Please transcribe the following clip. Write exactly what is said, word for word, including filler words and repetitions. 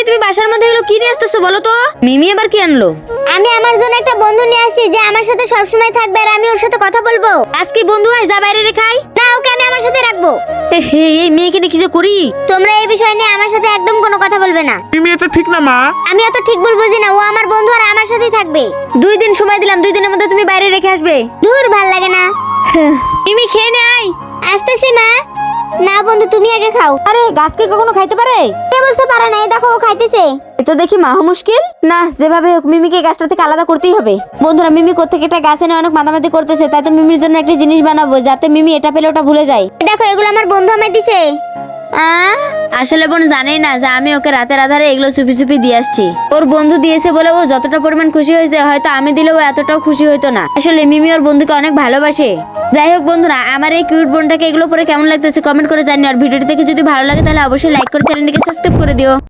তুমি বাসার মধ্যে এগুলো কি নিয়ে আসতেছো বলো তো? মিমি আবার কি আনলো? আমি আমার জন্য একটা বন্ধু নিয়ে আসি যে আমার সাথে সবসময় থাকবে আর আমি ওর সাথে কথা বলবো। আজকে বন্ধু হয় যা বাইরে রেখাই। না, ওকে আমি আমার সাথে রাখবো। হে এই মেয়েকে নিয়ে কি যে করি। তোমরা এই বিষয় নিয়ে আমার সাথে একদম কোনো কথা বলবে না। মিমি এটা ঠিক না মা। আমি অত ঠিক ভুল বুঝি না, ও আমার বন্ধু আর আমার সাথেই থাকবে। দুই দিন সময় দিলাম, দুই দিনের মধ্যে তুমি বাইরে রেখে আসবে। দূর, ভাল লাগে না। মিমি খেয়ে নে আয়। আসতেছি মা। না বন্ধু, তুমি আগে খাও। আরে গাছকে কখনো খাইতে পারে? কে বলতে পারে না? এই দেখো ও খাইতেছে। এ তো দেখি মাহ মুশকিল না। যেভাবে হোক মিমিকে গাছটা থেকে আলাদা করতেই হবে। বন্ধুরা, মিমি কোত্থেকে একটা গাছ এনে অনেক মাতামাতি করতেছে, তাই তো মিমির জন্য একটা জিনিস বানাবো যাতে মিমি এটা পেলে ওটা ভুলে যায়। দেখো, এগুলো আমার বন্ধু আমায় দিছে। আহ, আসলে বোন জানেই না যে আমি ওকে রাতের আধারে এগুলো চুপি চুপি দিয়ে আসছি। ওর বন্ধু দিয়েছে বলে ও যতটা পরিমাণ খুশি হয়েছে, হয়তো আমি দিলেও এতটাও খুশি হইতো না। আসলে মিমি ওর বন্ধুকে অনেক ভালোবাসে। যাই হোক বন্ধুরা, আমার এই কিউট বোনটাকে এগুলো পরে কেমন লাগতেছে কমেন্ট করে জানিও। আর ভিডিওটি দেখে যদি ভালো লাগে তাহলে অবশ্যই লাইক করে চ্যানেলটিকে সাবস্ক্রাইব করে দিও।